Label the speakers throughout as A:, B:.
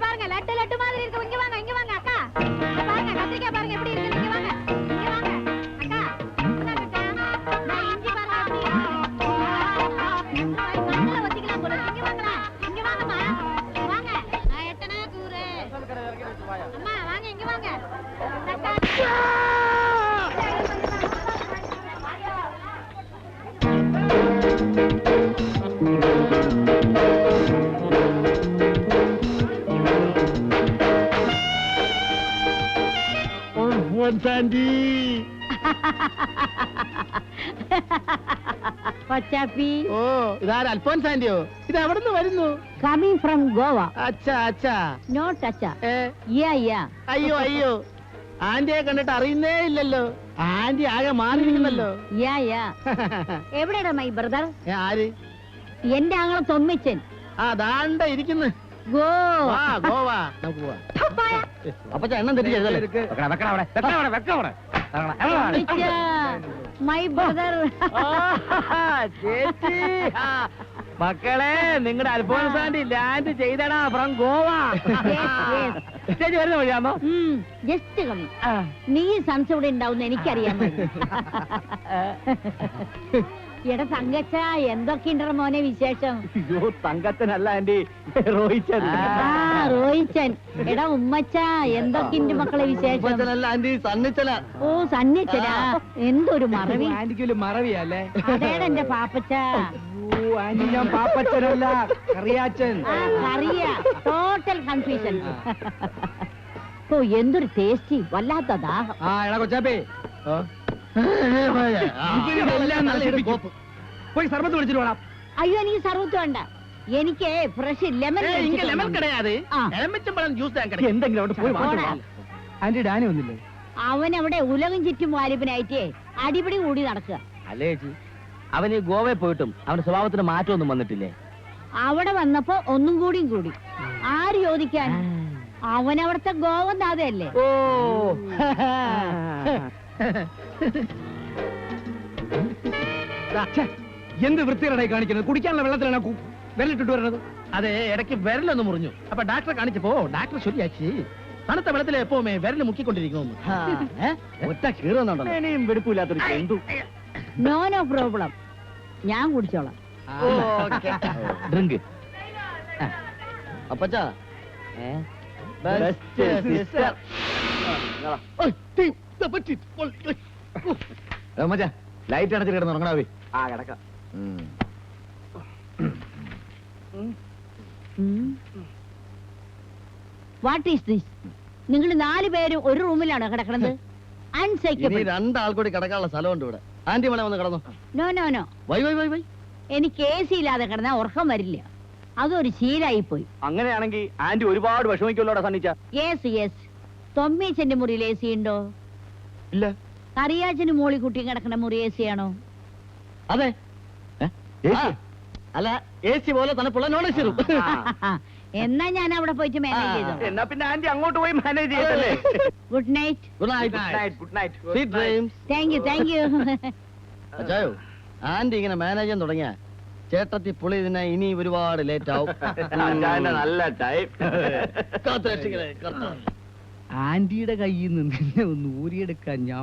A: பாருங்க லட்டு லட்டு மாதிரி இருக்கு. இங்க வாங்க அக்கா. பாருங்க கத்திரிக்காய் பாருங்க எப்படி இருக்கு. இங்க வாங்க அக்கா. அக்கா நான் இஞ்சி பாருங்க எப்படி நல்லா வச்சிக்கலாம் போல. இங்க வாங்கம்மா. வாங்க. நான் எட்டனா கூறு. அம்மா வாங்க இங்க வாங்க. அக்கா
B: സാൻഡി
A: പച്ചാപ്പി
B: ഓ ഇതാര് അൽഫോൻസ് ആന്റിയോ? ഇത് എവിടെ നിന്ന് വരുന്നു?
A: Coming from Goa.
B: അച്ഛാ അച്ഛാ
A: നോട്ട് അച്ഛാ.
B: അയ്യോ അയ്യോ ആന്റിയെ കണ്ടിട്ട് അറിയുന്നേ ഇല്ലല്ലോ. ആന്റി ആകെ മാറിയിരിക്കുന്നല്ലോ.
A: എവിടെയാ മൈ ബ്രദർ?
B: ആര്?
A: എന്റെ ആങ്ങളെ തൊമ്മിച്ചൻ.
B: ആ ദാണ്ട ഇരിക്കുന്നു.
A: ഗോവ
B: ഗോവ നമുക്ക് പോവാ. അപ്പച്ചാ എണ്ണം തെറ്റിച്ചല്ലേ?
A: My brother.
B: ചേച്ചി മക്കളെ നിങ്ങളുടെ അൽഫോൻസ് ആന്റി ലാൻഡ് ചെയ്തടാ ഫ്രം ഗോവ. ചേച്ചി വരുന്ന വഴിയാണോ?
A: ജസ്റ്റ് കമ്മി. നീ സൺസ് ഇവിടെ ഉണ്ടാവുന്ന എനിക്കറിയാൻ. എടാ തങ്കച്ച എന്തൊക്കെയുണ്ടോ മോനെ വിശേഷം?
B: അയ്യോ തങ്കച്ചനല്ല ആന്റി, റോഹിച്ചൻ.
A: റോഹിച്ചൻ. എടാ ഉമ്മച്ച എന്തൊക്കെയുണ്ട് മക്കളെ വിശേഷം?
B: ആന്റി സണ്ണിച്ചല.
A: ഓ സണ്ണിച്ചനാ. എന്തൊരു മറവി.
B: ആന്റിക്കൊരു മറവിയല്ലേ?
A: അതേടാ എന്റെ പാപ്പച്ച.
B: ആന്റി ഞാൻ പാപ്പച്ചനല്ല, കറിയാച്ചൻ.
A: കറിയ. Total confusion. ഓ എന്തൊരു ടേസ്റ്റി. വല്ലാത്ത ദാഹം.
B: എടാ കൊച്ചാപ്പേ പോയി സർബത്ത് വിളിച്ചിട്ട് വേണം.
A: അയ്യോ എനിക്ക് സർബത്ത് വേണ്ട. എനിക്ക് ഫ്രഷ് ലെമൺ.
B: ആന്റി ഡാനി വന്നില്ലേ?
A: അവൻ അവിടെ ഉലകം ചുറ്റും വാലിബനായിട്ടേ അടിപിടി കൂടി നടക്കുക.
B: അല്ലേ ചേച്ചി, അവന് ഗോവയിൽ പോയിട്ടും അവന്റെ സ്വഭാവത്തിന് മാറ്റമൊന്നും വന്നിട്ടില്ലേ?
A: അവിടെ വന്നപ്പോ ഒന്നും കൂടിയും കൂടി. ആര് ചോദിക്കാൻ? അവൻ അവിടുത്തെ ഗോവനാഥയല്ലേ.
B: ഓ എന്ത് വൃത്തികേടായി കാണിക്കുന്നത്? കുടിക്കാനുള്ള വെള്ളത്തിലാണ് വിരലിട്ടിട്ട് വരുന്നത്. അതെ, ഇടയ്ക്ക് വിരലൊന്ന് മുറിഞ്ഞു. അപ്പൊ ഡാക്ടറെ കാണിച്ചപ്പോ ഡാക്ടർ ശരിയാക്കി തണുത്ത വെള്ളത്തിൽ എപ്പോമേ വിരല് മുക്കിക്കൊണ്ടിരിക്കുന്നു. ഒറ്റ കീറുന്നുണ്ടോ? ഇനിയും വെടുപ്പില്ലാത്തൊരു എന്തു.
A: നോ നോ പ്രോബ്ലം, ഞാൻ കുടിച്ചോളാം.
B: ഡ്രിങ്ക്. അപ്പച്ചാ ലൈറ്റ് അടച്ചിട്ട് കിടന്ന് ഉറങ്ങണാവേ. ആ കിടക്കാം.
A: What is this? നിങ്ങൾ 4 പേരും ഒരു റൂമിലാണോ കിടക്കണത്? അൺസൈക്കബിൾ.
B: രണ്ടാൾ കൂടി കിടക്കാനുള്ള സ്ഥലമുണ്ട് ഇവിടെ. ആന്റി മളെ വന്ന് കിടന്നു.
A: No no no.
B: Why why why why.
A: എനിക്ക് AC ഇല്ലാതെ കിടന്നാ ഉറക്കം വരില്ല. അതൊരു ശീലായി പോയി.
B: അങ്ങനെയാണെങ്കിൽ ആന്റി ഒരുപാട് വിഷമിക്കുമല്ലോടാ സണ്ണിച്ച.
A: Yes yes. തൊമ്മീച്ചന്റെ മുറിയിൽ AC ഉണ്ടോ?
B: ഇല്ല.
A: കറിയാച്ചന് മോളി കുട്ടിയും കിടക്കുന്ന മുറി AC ആണോ?
B: അതെ. അല്ല, AC പോലെ തണുപ്പുള്ള നോൺ AC റൂം.
A: എന്നാ ഞാൻ അവിടെ പോയിട്ട് മാനേജ് ചെയ്തോ.
B: എന്നാ പിന്നെ ആന്റി അങ്ങോട്ട് പോയി മാനേജ് ചെയ്തല്ലേ.
A: Good night.
B: Good night. Good night. Sweet dreams.
A: Thank you.
B: അച്ചായോ, ആന്റി ഇങ്ങനെ മാനേജ് ചെയ്യാൻ തുടങ്ങിയ ചേട്ടത്തി പുളി ഇതിനെ ഇനി ഒരുപാട് ലേറ്റ് ആവും. നല്ല ടൈം. ആന്റിയുടെ കയ്യിൽ നിന്ന് ഒന്ന് ഊരിയെടുക്കാൻ ഞാൻ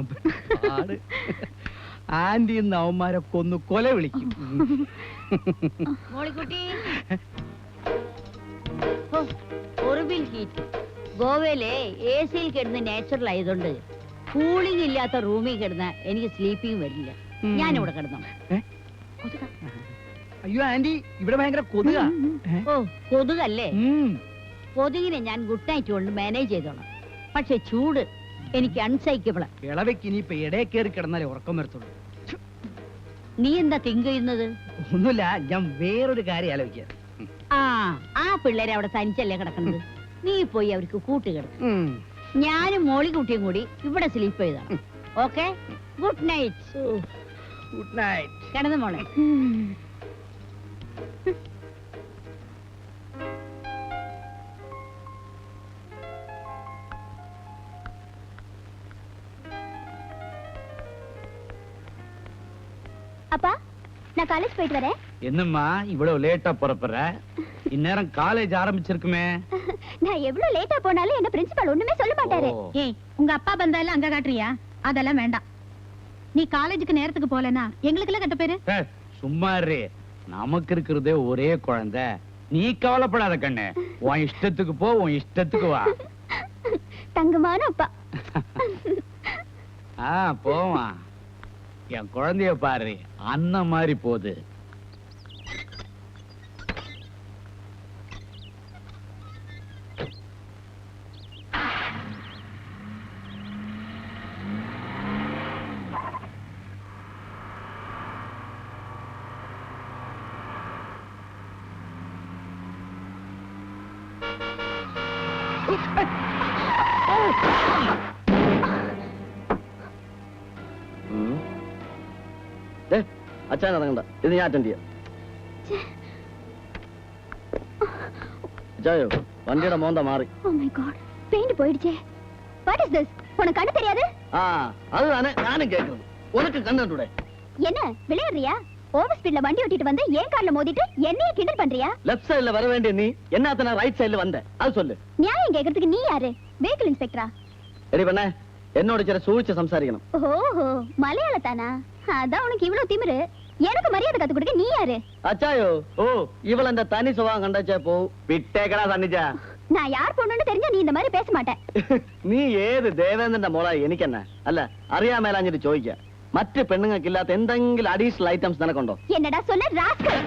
B: ആന്റി ഇന്ന് അവന്മാരെ കൊന്നു കൊല വിളിക്കും.
A: മോളിക്കുട്ടി, ഹൊറിബിൾ ഹീറ്റ്. ഗോവയിലെ AC-യിൽ കിടന്ന് നാച്ചുറൽ ആയതുകൊണ്ട് കൂളിംഗ് ഇല്ലാത്ത റൂമിൽ കിടന്ന എനിക്ക് സ്ലീപ്പിംഗ് വരില്ല. ഞാനിവിടെ കിടന്നോ.
B: അയ്യോ ആന്റി, ഇവിടെ ഭയങ്കര കൊതുക.
A: ഓ കൊതുകല്ലേ? കൊതുകിനെ ഞാൻ ഗുഡ് നൈറ്റ് കൊണ്ട് മാനേജ് ചെയ്തോളാം. പക്ഷെ ചൂട് എനിക്ക് അൺസൈക്കബിളാ.
B: ഇളവയ്ക്ക് ഇനിയിപ്പൊ ഇടയിൽ കയറി കിടന്നാലേ ഉറക്കം വരത്തുള്ളൂ.
A: നീ എന്താ തിങ്ക് ചെയ്യുന്നത്?
B: ഒന്നുമില്ല, ഞാൻ വേറൊരു കാര്യം ആലോചിക്കാം.
A: ആ പിള്ളേരെ അവിടെ തനിച്ചല്ലേ കിടക്കുന്നത്. നീ പോയി അവർക്ക് കൂട്ടുകിടക്കും. ഞാനും മോളിക്കുട്ടിയും കൂടി ഇവിടെ സ്ലീപ്പ് ചെയ്താണ്. Okay, good night.
B: Good night.
A: കിടന്നു മോളെ.
C: அப்பா, நான் காலேஜ் போயிட்டு வரேன். என்னம்மா இவ்வளவு லேட்டா புறப்படுற? இந்நேரம் காலேஜ் ஆரம்பிச்சிருக்குமே.
D: நான் எவ்வளவு லேட்டா போனாலும் என்ன பிரின்சிபால் ஒண்ணுமே சொல்ல மாட்டாரு.
C: ஓ.
A: ஏய், உங்க அப்பா பந்தால அங்க காட்டுறியா? அதெல்லாம் வேண்டாம். நீ காலேஜுக்கு நேரத்துக்கு போலனா எங்களுக்கு எல்லாம் கெட்ட பேரு.
C: ஏய், சும்மா இரு. நமக்கு இருக்கிறதே ஒரே குழந்தை. நீ கவலைப்படாத கண்ணு. உன் இஷ்டத்துக்கு போ, உன் இஷ்டத்துக்கு வா.
D: தங்கமான அப்பா.
C: போவா. என் குழந்தைய பாரு, அண்ணன் மாதிரி போகுது.
E: അച്ഛൻ ഇറങ്ങണ്ട, ഇത് ഞാൻ അറ്റൻഡ് ചെയ്യാം. അച്ചായോ, വണ്ടിയുടെ മോന്ത മാറി.
D: Oh my god, பெயிண்ட் போயிடுச்சே. What is this? உனக்கு கண்ணு தெரியாது?
E: அதுதானே நானும் கேட்கறது. உனக்கு கண்ணு
D: என்ன விளையாடுறியா? ஓவர் ஸ்பீட்ல வண்டி ஓட்டிட்டு வந்து ஏன் கார்ல மோதிட்டு என்னைய கிண்டல் பண்றியா?
E: லெஃப்ட் சைடுல வர வேண்டிய நீ என்னத்த நான் ரைட் சைடுல வந்த? அது சொல்லு.
D: நியாயம் கேக்குறதுக்கு நீ யாரு? வெஹிக்கிள் இன்ஸ்பெக்டரா?
E: ரெடி பண்ண. என்னோட சில சூழ்ச்சி சம்சாரிக்கணும்.
D: ஓஹோ, மலையாளத்தானா? அதான் உனக்கு இவ்வளவு திமிரு. எனக்கு மரியாதை கத்து கொடுக்க நீ யாரு?
E: அச்சாயோ, ஓ இவள அந்த தனி சுபாவம் கண்டாச்சே போ. விட்டேக்கடா தண்ணிச்சா.
D: நான் யார் பொண்ணுன்னு தெரிஞ்சா நீ இந்த மாதிரி பேச மாட்டேன்.
E: നീ ഏത് ദേവേന്ദ്രന്റെ മോളാ എനിക്കെന്നെ? അല്ല അറിയാമേലാഞ്ഞിട്ട് ചോദിക്ക. മറ്റ് പെണ്ണുങ്ങൾക്ക് ഇല്ലാത്ത എന്തെങ്കിലും അഡീഷണൽ ഐറ്റംസ് നിനക്കുണ്ടോ?
D: என்னடா சொன்ன ராஸ்கல்?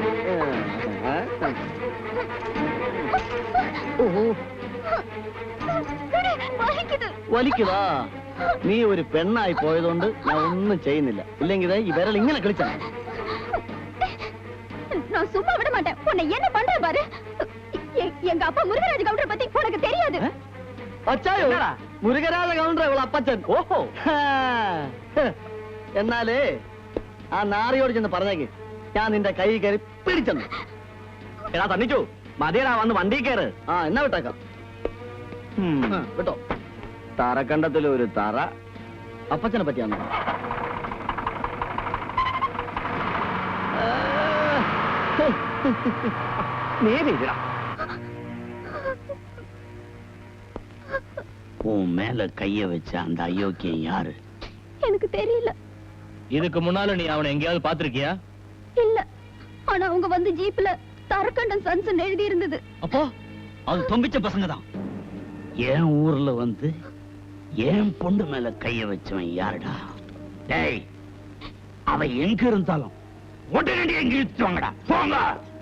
E: വലിക്കുതാ. നീ ഒരു പെണ്ണായി പോയതുകൊണ്ട് ഞാൻ ഒന്നും ചെയ്യുന്നില്ല. ഇല്ലെങ്കിൽ ഈ വിരൽ ഇങ്ങനെ കളിച്ചാ.
D: நான் சும்மா விட மாட்டேன். உன்னை என்ன பண்ற பாரு. எங்க அப்பா முருகராஜ கவுண்டரை பத்தி உனக்கு தெரியாது?
E: അച്ചായോ, മുരുകരാജ കൗണ്ടർ ഇവളെ അപ്പച്ചൻ. ഓഹോ. എന്നാലേ ആ നാറിയോട് ചെന്ന് പറഞ്ഞേക്ക് ഞാൻ നിന്റെ കൈ കയറി പിടിച്ചെന്ന്. എടാ തന്നിച്ചു മതിയടാ, വന്ന് വണ്ടി കയറ്. എന്നാ വിട്ടേക്കാം. വിട്ടോ. തറക്കണ്ടത്തിൽ ഒരു തറ അപ്പച്ചനെ പറ്റിയാന്ന്. നേരിടാ.
C: உன் மேல கைய வச்ச அந்த அயோக்கியம் யாரு?
D: எனக்கு தெரியல.
B: இதுக்கு முன்னால நீ அவனை எங்கேயாவது பாத்திருக்கியா?
D: இல்ல, ஆனா அவங்க வந்து ஜீப்ல தரக்கண்டன் சன்ஸ் எழுதி இருந்தது.
C: அப்போ அது தொம்பிச்ச பசங்க தான். என் ஊர்ல வந்து என் பொண்ணு மேல கைய வச்சவன் யாருடா? டேய், அவ எங்க இருந்தாலும் உடனடி எங்க இழுத்துவாங்கடா. போங்க.